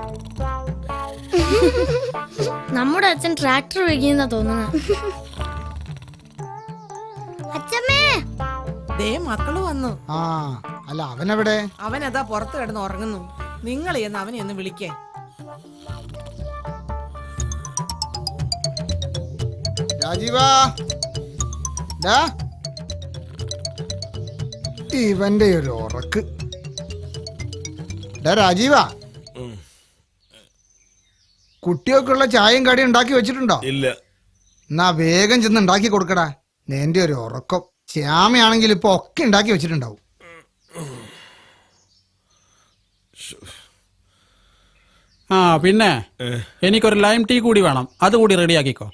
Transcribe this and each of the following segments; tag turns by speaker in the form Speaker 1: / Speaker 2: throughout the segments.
Speaker 1: നമ്മുടെ അച്ഛൻ ട്രാക്ടർ വയ്ക്കുന്ന തോന്നുന്നു. അച്ഛമ്മേ,
Speaker 2: ദേ മക്കള് വന്നു.
Speaker 3: ആ അല്ല അവനെവിടെ?
Speaker 2: അവനതാ പുറത്ത് കിടന്ന് ഉറങ്ങുന്നു. നിങ്ങൾ എന്ന് അവനെ ഒന്ന് വിളിക്കേ.
Speaker 3: രാജീവാ, ഡാ, ഇവന്റെ ഒരു ഉറക്ക്. ഡാ രാജീവാ, കുട്ടികൾക്കുള്ള ചായയും കടിയും ഉണ്ടാക്കി വെച്ചിട്ടുണ്ടോ?
Speaker 4: ഇല്ല.
Speaker 3: എന്നാ വേഗം ചെന്ന് ഉണ്ടാക്കി കൊടുക്കടാ. എന്റെ ഒരു ഉറക്കം. ശ്യാമയാണെങ്കിൽ ഇപ്പൊ ഒക്കെ ഉണ്ടാക്കി വെച്ചിട്ടുണ്ടാവും.
Speaker 5: ആ പിന്നെ എനിക്കൊരു ലൈം ടീ കൂടി വേണം, അതുകൂടി റെഡിയാക്കിക്കോ.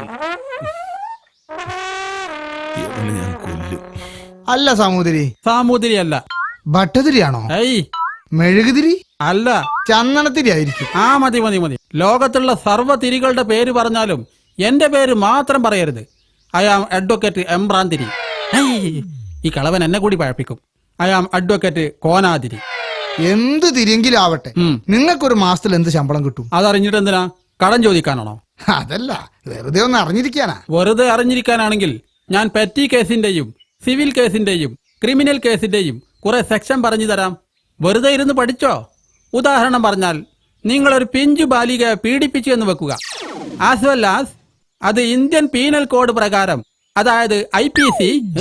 Speaker 4: ഞാൻ കൊല്ലും.
Speaker 3: അല്ല സാമൂതിരി.
Speaker 5: സാമൂതിരി അല്ല.
Speaker 3: ഭട്ടതിരിയാണോ?
Speaker 5: ഏയ്
Speaker 3: മെഴുകുതിരി
Speaker 5: അല്ല,
Speaker 3: ചന്ദനത്തിരി ആയിരിക്കും.
Speaker 5: ആ മതി മതി മതി. ലോകത്തുള്ള സർവ്വ തിരികളുടെ പേര് പറഞ്ഞാലും എന്റെ പേര് മാത്രം പറയരുത്. I am advocate Embranthiri. ഈ കളവൻ എന്നെ കൂടി പഴപ്പിക്കും. I am advocate കോനാതിരി.
Speaker 3: എന്ത് തിരിയെങ്കിലും ആവട്ടെ, നിങ്ങൾക്കൊരു മാസത്തിൽ എന്ത് ശമ്പളം കിട്ടും?
Speaker 5: അതറിഞ്ഞിട്ട് എന്തിനാ? കടം ചോദിക്കാനാണോ?
Speaker 3: അതല്ല, വെറുതെ ഒന്ന് അറിഞ്ഞിരിക്കാനാ.
Speaker 5: വെറുതെ അറിഞ്ഞിരിക്കാനാണെങ്കിൽ ഞാൻ പെറ്റി കേസിന്റെയും സിവിൽ കേസിന്റെയും ക്രിമിനൽ കേസിന്റെയും കുറെ സെക്ഷൻ പറഞ്ഞു തരാം. വെറുതെ ഇരുന്ന് പഠിച്ചോ. ഉദാഹരണം പറഞ്ഞാൽ, നിങ്ങളൊരു പിഞ്ചു ബാലികയെ പീഡിപ്പിച്ചു എന്ന് വെക്കുക. ആസ് വെൽ ആസ് അത് ഇന്ത്യൻ പീനൽ കോഡ് പ്രകാരം, അതായത് IPC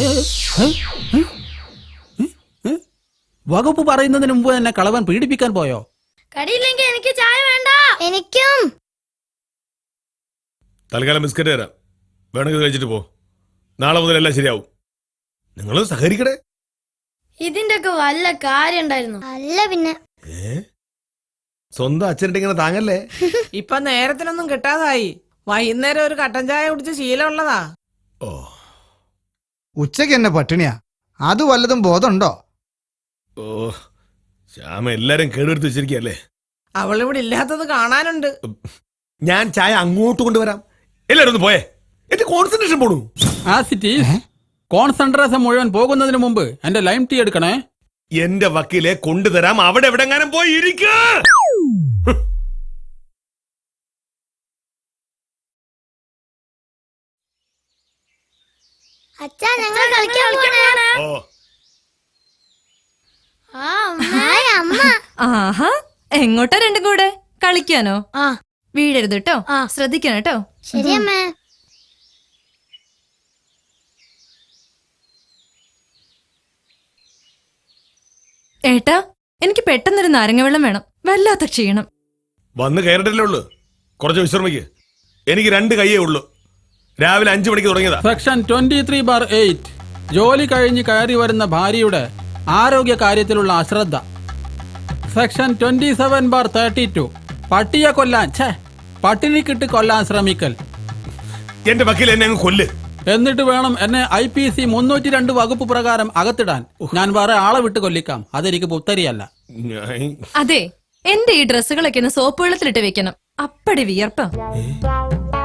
Speaker 5: വകുപ്പ് പറയുന്നതിന് മുമ്പ് തന്നെ കളവൻ പീഡിപ്പിക്കാൻ പോയോ?
Speaker 1: കടിയില്ലെങ്കിൽ എനിക്ക് ചായ വേണ്ട. എനിക്കും.
Speaker 4: തൽക്കാലം ബിസ്ക്കറ്റ് തരാം, വേണമെങ്കിൽ കഴിച്ചിട്ട് പോ. നാളെ മുതൽ എല്ലാം ശരിയാവും. നിങ്ങൾ സഹകരിക്കടേ.
Speaker 1: ഇതിന്റെ ഒക്കെ വല്ല കാര്യം ഉണ്ടായിരുന്നു? അല്ല പിന്നെ.
Speaker 4: സ്വന്തം അച്ഛനിട്ട് ഇങ്ങനെ താങ്ങല്ലേ.
Speaker 2: ഇപ്പൊ നേരത്തിനൊന്നും കിട്ടാതായി. വൈകുന്നേരം ഒരു കട്ടൻ ചായ കുടിച്ച് ശീലമുള്ളതാ.
Speaker 4: ഓ,
Speaker 3: ഉച്ചക്ക് എന്നെ പട്ടിണിയാ. അത് വല്ലതും ബോധമുണ്ടോ?
Speaker 4: ഓ, ശ്യാമ എല്ലാരും കേടുവരുത്തി വെച്ചിരിക്കല്ലേ.
Speaker 2: അവളിവിടെ ഇല്ലാത്തത് കാണാനുണ്ട്.
Speaker 4: ഞാൻ ചായ അങ്ങോട്ട് കൊണ്ടുവരാം. എല്ലാരും ഒന്ന് പോയേ, എന്റെ കോൺസെൻട്രേഷൻ പോണു.
Speaker 5: As it is. കോൺസെൻട്രേഷൻ മുഴുവൻ പോകുന്നതിന് മുമ്പ് എന്റെ ലൈം ടീ എടുക്കണേ.
Speaker 4: എന്റെ വക്കീലെ കൊണ്ടുതരാം. അവിടെ എവിടെങ്ങാനും പോയി ഇരിക്ക.
Speaker 1: അച്ഛാ, ഞങ്ങൾ കളിക്കാൻ പോവാണ്.
Speaker 4: ഓ,
Speaker 6: ആഹാ, എങ്ങോട്ടാ രണ്ടും കൂടെ? കളിക്കാനോ?
Speaker 1: ആ.
Speaker 6: വീഴരുത് കേട്ടോ, ശ്രദ്ധിക്കണം കേട്ടോ.
Speaker 1: ശരി അമ്മേ.
Speaker 6: ഏട്ടാ, എനിക്ക് പെട്ടെന്നൊരു നാരങ്ങ വെള്ളം വേണം. വല്ലാത്ത ക്ഷീണം.
Speaker 4: വന്ന് കയറിട്ടല്ലേ ഉള്ളു, കുറച്ച് വിശ്രമിക്ക്. എനിക്ക് 2 കൈയേ ഉള്ളു. രാവിലെ 5 മണിക്ക് തുടങ്ങിയതാ.
Speaker 5: സെക്ഷൻ 23/8. ജോലി കഴിഞ്ഞ് കയറി വരുന്ന ഭാര്യയുടെ ആരോഗ്യ കാര്യത്തിലുള്ള അശ്രദ്ധ. സെക്ഷൻ 27/32. പട്ടിയെ കൊല്ലാൻ, പട്ടിണിക്കിട്ട് കൊല്ലാൻ ശ്രമിക്കൽ.
Speaker 4: എന്റെ വക്കീൽ എന്നെ അങ്ങ് കൊല്ല്.
Speaker 5: എന്നിട്ട് വേണം എന്നെ IPC 302 വകുപ്പ് പ്രകാരം അകത്തിടാൻ. ഞാൻ വേറെ ആളെ വിട്ട് കൊല്ലിക്കാം. അതെനിക്ക് പുത്തരിയല്ല.
Speaker 6: അതെ, എന്റെ ഈ ഡ്രസ്സുകളൊക്കെ ഒന്ന് സോപ്പ് വെള്ളത്തിലിട്ട് വെക്കണം. അപ്പടി വിയർപ്പം.